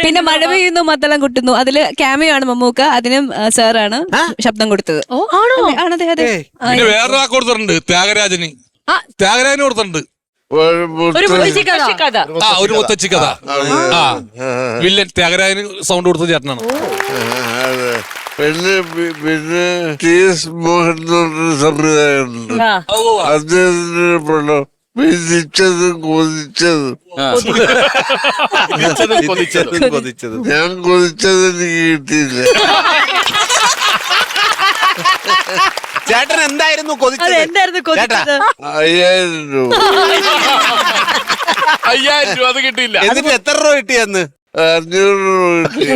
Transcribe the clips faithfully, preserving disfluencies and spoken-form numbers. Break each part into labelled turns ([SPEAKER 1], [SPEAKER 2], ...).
[SPEAKER 1] പിന്നെ മഴ പെയ്യുന്നു മദ്ദളം കുട്ടുന്നു അതില് ക്യാമിയോ ആണ് മമ്മൂക്ക, അതിനും സാറാണ് ശബ്ദം കൊടുത്തത്.
[SPEAKER 2] ആണോ?
[SPEAKER 1] ആണതെ അതെ.
[SPEAKER 3] പിന്നെ വേറൊരാ കൊടുത്തിട്ടുണ്ട്, ത്യാഗരാജന്. ത്യാഗരാജന് കൊടുത്തിട്ടുണ്ട് ആ ഒരു മുത്തച്ഛി കഥ. ആ വില്ലൻ ത്യാഗരാജന് സൗണ്ട് കൊടുത്ത ചേട്ടനാണ്.
[SPEAKER 4] പിന്നെ പിന്നെ ടി എസ് മോഹൻ സംവിധായകനുണ്ട്, അദ്ദേഹത്തിന്റെ പടം വിധിച്ചതും കൊതിച്ചതും. ഞാൻ കൊതിച്ചത് എനിക്ക് കിട്ടിയില്ല.
[SPEAKER 5] ചേട്ടൻ എന്തായിരുന്നു കൊതിച്ചത്?
[SPEAKER 4] അയ്യായിരം രൂപ.
[SPEAKER 3] അയ്യായിരം രൂപ അത് കിട്ടിയില്ല.
[SPEAKER 5] എന്നിട്ട് എത്ര രൂപ കിട്ടിയെന്ന്?
[SPEAKER 4] അഞ്ഞൂറ് രൂപ കിട്ടി.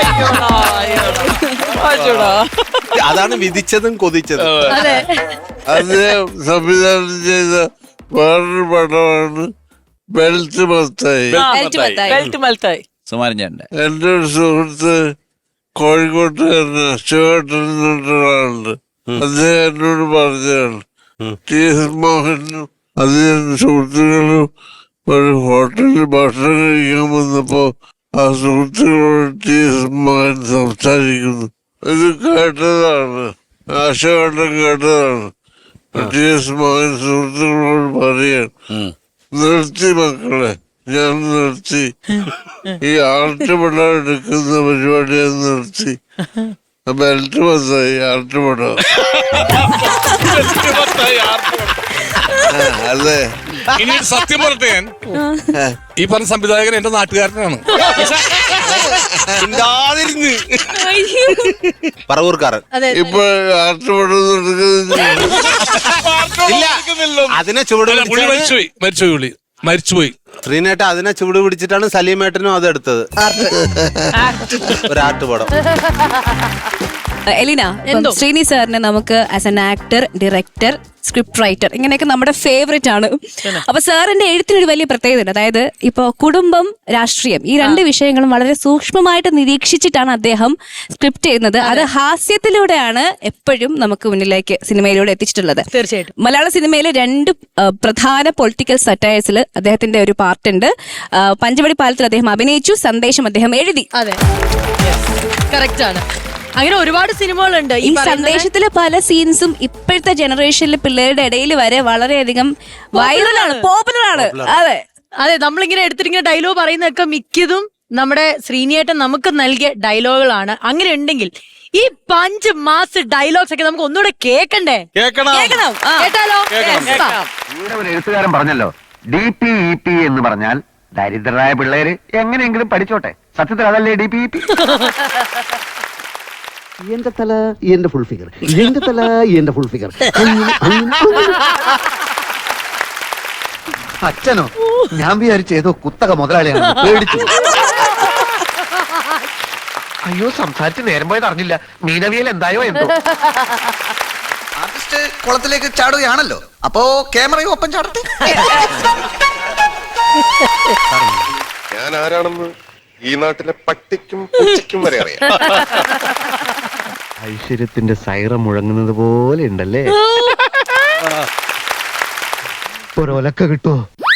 [SPEAKER 5] അതാണ് വിധിച്ചതും കൊതിച്ചതും.
[SPEAKER 4] അദ്ദേഹം സംവിധാനം ചെയ്ത വേറൊരു പടമാണ് ബെൽറ്റ് മത്തായി. എന്റെ ഒരു സുഹൃത്ത് കോഴിക്കോട്ടുകാരന് ശിവേട്ടൻ എന്നൊരാളുണ്ട്. അദ്ദേഹം എന്നോട് പറഞ്ഞതാണ്, ടി എസ് മോഹനും അദ്ദേഹം സുഹൃത്തുക്കളും ഒരു ഹോട്ടലിൽ ഭക്ഷണം കഴിക്കാൻ വന്നപ്പോ ആ സുഹൃത്തുക്കളോട് ടി എസ് മോഹൻ സംസാരിക്കുന്നു. ഇത് കേട്ടതാണ്, ആശകണ്ഠം കേട്ടതാണ്. ടി എസ് മോഹൻ സുഹൃത്തുക്കളോട് പറയാൻ, നിർത്തി മക്കളെ, ഞാൻ നിർത്തി, ഈ ആർട്ടുപടം എടുക്കുന്ന പരിപാടി ഞാൻ നിർത്തി. ബെൽറ്റ് മത്തായി ആർട്ടുപടം. അതെ.
[SPEAKER 3] ഇനി സത്യം പറട്ടെ, ഞാൻ ഈ പറഞ്ഞ സംവിധായകൻ എന്റെ നാട്ടുകാരനാണ്.
[SPEAKER 5] പറവൂർക്കാരൻ.
[SPEAKER 4] ഇപ്പൊ ആർട്ടുപടം
[SPEAKER 5] അതിനെ ചുവട്
[SPEAKER 3] മരിച്ചുപോയി മരിച്ചുപോയി പുള്ളി മരിച്ചുപോയി
[SPEAKER 5] ശ്രീനേട്ട അതിനെ ചുവട് പിടിച്ചിട്ടാണ് സലീമേട്ടനും അത് എടുത്തത്, ഒരു ആർട്ടുപടം.
[SPEAKER 1] എലിന, ശ്രീനി സാറിന് നമുക്ക് as an actor, director, script writer ഇങ്ങനെയൊക്കെ നമ്മുടെ ഫേവറേറ്റ് ആണ്. അപ്പൊ സാറിന്റെ എഴുത്തിനൊരു വലിയ പ്രത്യേകത ഉണ്ട്. അതായത് ഇപ്പൊ കുടുംബം, രാഷ്ട്രീയം ഈ രണ്ട് വിഷയങ്ങളും വളരെ സൂക്ഷ്മമായിട്ട് നിരീക്ഷിച്ചിട്ടാണ് അദ്ദേഹം സ്ക്രിപ്റ്റ് ചെയ്യുന്നത്. അത് ഹാസ്യത്തിലൂടെയാണ് എപ്പോഴും നമുക്ക് മുന്നിലേക്ക് സിനിമയിലൂടെ എത്തിച്ചിട്ടുള്ളത്.
[SPEAKER 2] തീർച്ചയായിട്ടും
[SPEAKER 1] മലയാള സിനിമയിലെ രണ്ട് പ്രധാന പൊളിറ്റിക്കൽ സറ്റയേഴ്സിൽ അദ്ദേഹത്തിന്റെ ഒരു പാർട്ട് ഉണ്ട്. പഞ്ചവടി പാലത്തിൽ അദ്ദേഹം അഭിനയിച്ചു, സന്ദേശം അദ്ദേഹം എഴുതി.
[SPEAKER 2] അതെ, കറക്റ്റ് ആണ്. അങ്ങനെ ഒരുപാട് സിനിമകളുണ്ട്.
[SPEAKER 1] ഈ സന്ദേശത്തിലെ പല സീൻസും ഇപ്പോഴത്തെ ജനറേഷനിലെ പിള്ളേരുടെ ഇടയിൽ വരെ വളരെയധികം വൈറലാണ്, പോപ്പുലർ ആണ്. അതെ
[SPEAKER 2] അതെ, നമ്മളിങ്ങനെ എടുത്തിട്ടിങ്ങനെ ഡയലോഗ് പറയുന്നതൊക്കെ മിക്കതും നമ്മുടെ ശ്രീനിയേട്ടൻ നമുക്ക് നൽകിയ ഡയലോഗുകളാണ്. അങ്ങനെ ഉണ്ടെങ്കിൽ ഈ പഞ്ച് മാസ് ഡയലോഗ്സ് ഒക്കെ നമുക്ക് ഒന്നുകൂടെ കേൾക്കണ്ടേ?
[SPEAKER 1] കേൾക്കണം,
[SPEAKER 2] കേട്ടാലോ?
[SPEAKER 6] ഒരു എഴുത്തുകാരൻ പറഞ്ഞല്ലോ, ഡി പി ഇ പി എന്ന് പറഞ്ഞാൽ ദരിദ്രരായ പിള്ളേര് എങ്ങനെയെങ്കിലും പഠിച്ചോട്ടെ. സത്യത്തിൽ അതല്ലേ ഡി പി ഇ പി? എന്റെ തല എന്റെ ഫുൾ ഫിഗർ, എന്റെ തല എന്റെ ഫുൾ ഫിഗർ. അച്ഛനോ? ഞാൻ വിചാരിച്ചു ഏതോ കുത്തക മുതലാളിയാണ്, പേടിച്ചു. അയ്യോ, സംസാരിച്ച് നേരം പോയത് അറിഞ്ഞില്ല. മീനവിയൽ എന്തായോ എന്തോ.
[SPEAKER 7] ആർട്ടിസ്റ്റ് കുളത്തിലേക്ക് ചാടുകയാണല്ലോ, അപ്പോ ക്യാമറയും ഒപ്പം ചാടട്ടെ.
[SPEAKER 8] ഞാൻ ആരാണെന്ന് ഈ നാട്ടിലെ പട്ടിക്കും പൂച്ചയ്ക്കും വരെ അറിയാം.
[SPEAKER 6] ഐശ്വര്യത്തിന്റെ സൈറം മുഴങ്ങുന്നത് പോലെ ഉണ്ടല്ലേ? ഒരൊലക്ക കിട്ടുമോ?